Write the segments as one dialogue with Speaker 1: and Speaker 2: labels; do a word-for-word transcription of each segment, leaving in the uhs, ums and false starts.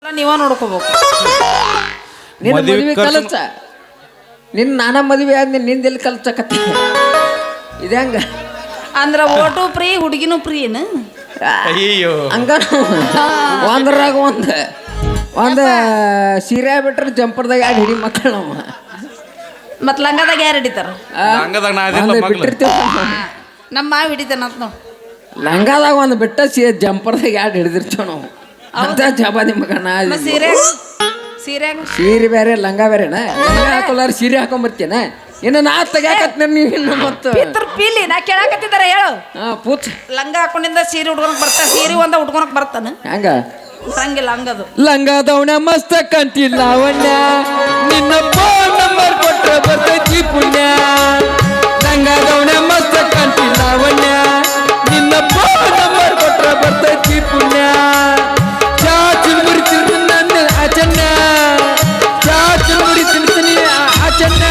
Speaker 1: ನೀವ ನೋಡ್ಕೋಬೇಕು.
Speaker 2: ನಿನ್ನ ಮದುವೆ ಕಲಚ ನಿನ್ನ ನಾನ ಮದುವೆ ಆದ್ಮೇಲೆ ನಿಂದೆಲ್ಲಿ ಕಲ್ಚಕತ್ತಿ ಇದೆ ಹಂಗ
Speaker 1: ಅಂದ್ರ ಓಟು ಫ್ರೀ ಹುಡುಗಿನೂ ಫ್ರೀನು
Speaker 3: ಅಯ್ಯೋ
Speaker 2: ಹಂಗ ಒಂದ್ರಾಗ ಒಂದ್ ಒಂದ ಸೀರೆ ಬಿಟ್ರೆ ಜಂಪರ್ದಾಗ ಎರಡು ಹಿಡಿ ಮಕ್ಕಳು ನಾವು
Speaker 1: ಮತ್ ಲಂಗದಾಗ ಯಾರು ಹಿಡಿತಾರ?
Speaker 3: ಲಂಗದಾಗ ನಾ ಅದಿಲ್ಲ ಮಗ್ಳು.
Speaker 2: ಬಿಟ್ಟಿರ್ತೀವಿ
Speaker 1: ನಮ್ಮ ಮಾವ ಹಿಡಿತಾನ ಅಂತ ನಾವು.
Speaker 2: ಲಂಗಾದಾಗ ಒಂದು ಬಿಟ್ಟ ಸಿ ಜಂಪರ್ದಾಗ ಎರಡು ಹಿಡಿದಿರ್ತೀವಿ ನಾವು ಅಂತ ಜಬಾದಿ ಮಗನ
Speaker 1: ಮತ್ತ್ ಸೀರೆ ಸೀರೆ
Speaker 2: ಸೀರೆ ಬೇರೆ ಲಂಗ ಬೇರೆನ ಲಂಗ ಹಾಕೊಲ್ಲಾರ ಸೀರೆ ಹಾಕೊಂಬರ್ತೇನ ಇನ್ನು ನಾ ತೆಗ್ಯಾಕತ್ ನೀವು ಇನ್ನು ಮತ್ತು
Speaker 1: ಪಿತ್ರ ಪೀಲಿ ನಾ ಕೇಳಾಕತ್ತಿದಾರ ಹೇಳು.
Speaker 2: ಹಾ ಪೂಚ್
Speaker 1: ಲಂಗ ಹಾಕೊಂಡಿಂದ ಸೀರೆ ಉಟ್ಕೊಳಕ್ ಬರ್ತಾ ಸೀರೆ ಒಂದ ಉಟ್ಕೊಳಕ್ ಬರ್ತಾನ
Speaker 2: ಹಂಗ
Speaker 1: ಹಂಗಿಲ್ಲ ಹಂಗದು.
Speaker 2: ಲಂಗದವನ ಮಸ್ತ ಕಂತಿಲ್ಲ ಲಾವಣ್ಯ ನಿನ್ನ ಫೋನ್ ನಂಬರ್ ಕೊಟ್ರೆ ಬರ್ತೈತಿ ಪುಣ್ಯ ಲಂಗದವನ ಮಸ್ತ ಕಂತಿಲ್ಲ ಲಾವಣ್ಯ ನಿನ್ನ ಫೋನ್ ನಂಬರ್ ಕೊಟ್ರೆ ಬರ್ತೈತಿ ಪುಣ್ಯ ಚಾ ಚುರುಮುರಿ ತಿರ್ತೀನಿ ನನ್ನ ಆಚನ್ನ ಚಾ ಚುರುಮುರಿ ತಿನ್ತೀನಿ ಆಚನ್ನ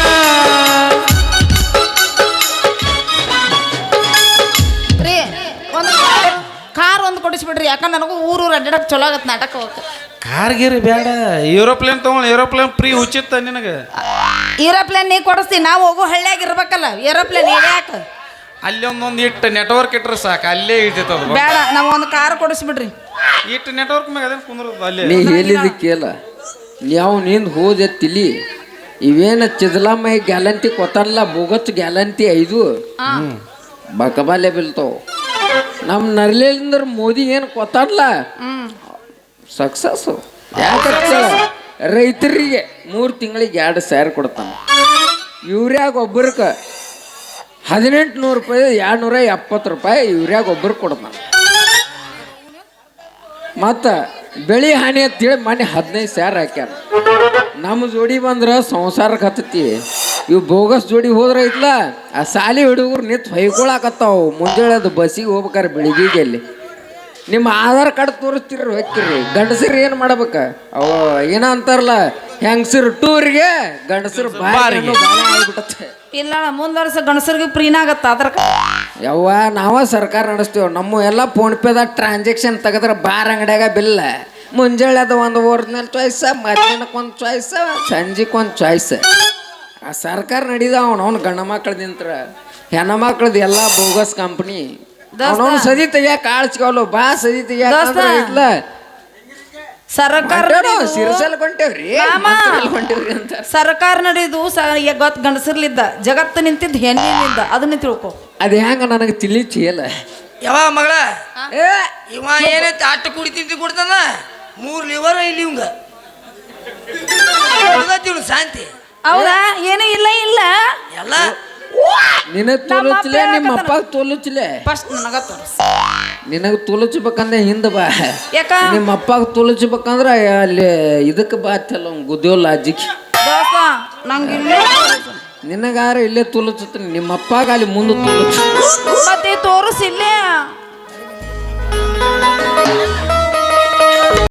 Speaker 1: ರೀ ಒಂದು ಕಾರ್ ಒಂದು ಕೊಡಿಸ್ಬಿಡ್ರಿ ಯಾಕಂದ್ರೆ ನನಗೂ ಊರೂರು ಅಡ್ಡಾಡಕ್ ಚಲೋ ಆಗತ್ತೆ ನಾಟಕ ಹೋಗಕ್ಕೆ.
Speaker 3: ಕಾರ್ಗಿರಿ ಬೇಡ ಏರೋಪ್ಲೇನ್ ತಗೊಂಡು ಏರೋಪ್ಲೇನ್ ಫ್ರೀ ಉಚಿತ ನಿನಗೆ.
Speaker 1: ಏರೋಪ್ಲೇನ್ ನೀ ಕೊಡಿಸ್ತೀನಿ ನಾವು ಹೋಗೋ ಹಳ್ಳಿಯಾಗ ಇರ್ಬೇಕಲ್ಲ ಏರೋಪ್ಲೇನ್ ಯಾಕ
Speaker 3: ಅಲ್ಲಿ ಒಂದೊಂದು ಇಟ್ಟು ನೆಟ್ವರ್ಕ್ ಇಟ್ರೆ ಸಾಕು ಅಲ್ಲೇ ಇರ್ತೈತೆ ಅದು.
Speaker 1: ಬೇಡ ನಾವು ಒಂದು ಕಾರ್ ಕೊಡಿಸ್ಬಿಡ್ರಿ.
Speaker 3: ಇಟ್ಟು ನೆಟ್ವರ್ಕ್ ಮ್ಯಾಗ ಅದೇನು ಕುಂದ್ರದು ಅಲ್ಲೇ.
Speaker 2: ನೀ ಹೇಳಿದ ಕೇಳ ನೀವು ನಿಂದು ಹೋದೆ ತಿಳಿ ಇವೇನ ಚಿದಲಾಮೈ ಗ್ಯಾಲಂಟಿ ಕೊತ್ತಾರಲ್ಲ ಬೋಗತ್ ಗ್ಯಾಲಂಟಿ ಐದು ಬಕಬಾಲೆ ಬೀಳ್ತಾವ. ನಮ್ಮ ನರ್ಲಿಂದ್ರ ಮೋದಿ ಏನು ಕೊತ್ತಾರಲ್ಲ ಸಕ್ಸಸ್ ಯಾಕೆ ರೈತರಿಗೆ ಮೂರು ತಿಂಗಳಿಗೆ ಎರಡು ಸಾವಿರ ಕೊಡ್ತಾನೆ. ಯೂರಿಯಾಗ ಒಬ್ಬರಕ್ಕೆ ಹದಿನೆಂಟು ನೂರು ರೂಪಾಯಿ ಎರಡು ನೂರ ಎಪ್ಪತ್ತು ರೂಪಾಯಿ ಯೂರಿಯಾಗ ಒಬ್ಬರಿಗೆ ಕೊಡ್ತಾನೆ. ಮತ್ತು ಬೆಳೆ ಹಾನಿ ಅಂತೇಳಿ ಮನೆ ಹದಿನೈದು ಸಾವಿರ ಹಾಕ್ಯಾರ. ನಮ್ಮ ಜೋಡಿ ಬಂದ್ರೆ ಸಂಸಾರಕ್ಕೆ ಹತ್ತತಿ. ಇವು ಬೋಗಸ್ ಜೋಡಿ ಹೋದ್ರೆ ಐತ್ಲ ಆ ಸಾಲಿ ಹುಡುಗರು ನಿಂತು ಹೊಯ್ಕೊಳಕತ್ತಾವು ಮುಂಜಾನೆ ಅದು ಬಸ್ಸಿಗೆ ಹೋಗ್ಬೇಕಾರೆ ಬೆಳಿಗ್ಗೆ ಅಲ್ಲಿ ನಿಮ್ಮ ಆಧಾರ್ ಕಾರ್ಡ್ ತೋರಿಸ್ತಿರ ಹೊಕ್ಕಿರಿ. ಗಂಡಸರು ಏನು ಮಾಡ್ಬೇಕ ಅವ ಏನ ಅಂತಾರಲ್ಲ ಹೆಂಗಸರು ಟೂರಿಗೆ ಗಂಡಸರು ಬಾರಿ ಆಗ್ಬಿಟ್ಟತ್ತೆ.
Speaker 1: ಇಲ್ಲ ಮುಂದ್ವರ್ಸ ಗಣಸರಿಗೆ ಪ್ರೀನಾಗತ್ತ ಅದ್ರ
Speaker 2: ಯವ್ವ ನಾವ ಸರ್ಕಾರ ನಡೆಸ್ತೀವಿ. ನಮ್ಮ ಎಲ್ಲ ಫೋನ್ ಪೇದಾಗ ಟ್ರಾನ್ಸಾಕ್ಷನ್ ತೆಗೆದ್ರೆ ಬಾರ್ ಅಂಗಡಿಯಾಗ ಬಿಲ್ಲ ಮುಂಜಾನೆ ಅದು ಒಂದು ಒರಿಜಿನಲ್ ಚಾಯ್ಸ ಮಧ್ಯಾಹ್ನಕ್ಕೆ ಒಂದು ಚಾಯ್ಸ ಸಂಜೆಗೆ ಒಂದು ಚಾಯ್ಸ್. ಆ ಸರ್ಕಾರ ನಡೀದಾವ ಅವನವ್ನು ಗಂಡ ಮಕ್ಳದ ನಿಂತ್ರ ಹೆಣ್ಣ ಮಕ್ಳದ ಎಲ್ಲ ಬೋಗಸ್ ಕಂಪ್ನಿ ಅವನವ್ನು ಸದಿ ತೆಗಿಯಾಕ ಕಾಳ್ಸ್ಕೊಲ್ಲ ಬಾ ಸದಿ ತೆಗಿಯಾಕ ಇಲ್ಲ
Speaker 1: ಸರ್ಕಾರ
Speaker 2: ಸಿರಸಲ್ ಕೊಂಟೇವ್ರಿ ಕೊಂಟೇವ್ರಿ ಅಂತ
Speaker 1: ಸರ್ಕಾರ ನಡೆಯುದು ಗೊತ್ತ ಗಂಡಸರ್ಲಿದ್ದ ಜಗತ್ತು ನಿಂತಿದ್ದು ಹೆಣ್ಣಿನಿಂದ ಅದನ್ನ ತಿಳ್ಕೊ.
Speaker 2: ಅದ ಹೆಂಗ ನನಗೆ ತಿಳಿಚಿಯಲ್ಲ
Speaker 4: ಯಾವ ಮಗಳ ಇವ ಏನೈತಿ ಅಟ್ಟ ಕುಡಿತಿಂತಿ ಕುಡ್ತಾನ ಮೂರ್ ಲಿವರ್ ಇಲ್ಲಿ ಇವಂಗ ಶಾಂತಿ
Speaker 1: ಹೌದಾ ಏನೂ ಇಲ್ಲ ಇಲ್ಲ
Speaker 4: ಎಲ್ಲ
Speaker 2: ನಿನಗ್ ತೋಲುಚ್ಲೆ ನಿಮ್ಮ ಅಪ್ಪ ತೋಲುಚ್ಲೆ
Speaker 1: ಫಸ್ಟ್ ನನಗ ತೋರಿಸ್
Speaker 2: ನಿನಗೆ ತೋಲುಚ್ಬೇಕಂದ್ರೆ ಹಿಂದೆ ಬಾ.
Speaker 1: ಯಾಕ
Speaker 2: ನಿಮ್ಮ ಅಪ್ಪಾಗ ತೋಲುಚ್ಬೇಕಂದ್ರೆ ಅಲ್ಲಿ ಇದಕ್ಕೆ ಬಾತಲ್ಲ ಗುದ್ದೋಲ್ಲ ಅಜ್ಜಿಗೆ
Speaker 1: ದೋಸ್ತ ನಂಗೆ ಇಲ್ಲೇ
Speaker 2: ನಿನಗಾರ ಇಲ್ಲೇ ತೋಲುಚ್ಚುತ್ತೆ ನಿಮ್ಮ ಅಪ್ಪಾಗ ಅಲ್ಲಿ ಮುಂದೆ ತೋಲುಚ್ಚು
Speaker 1: ಮತ್ತೆ ತೋರಿಸಿಲ್ಲೇ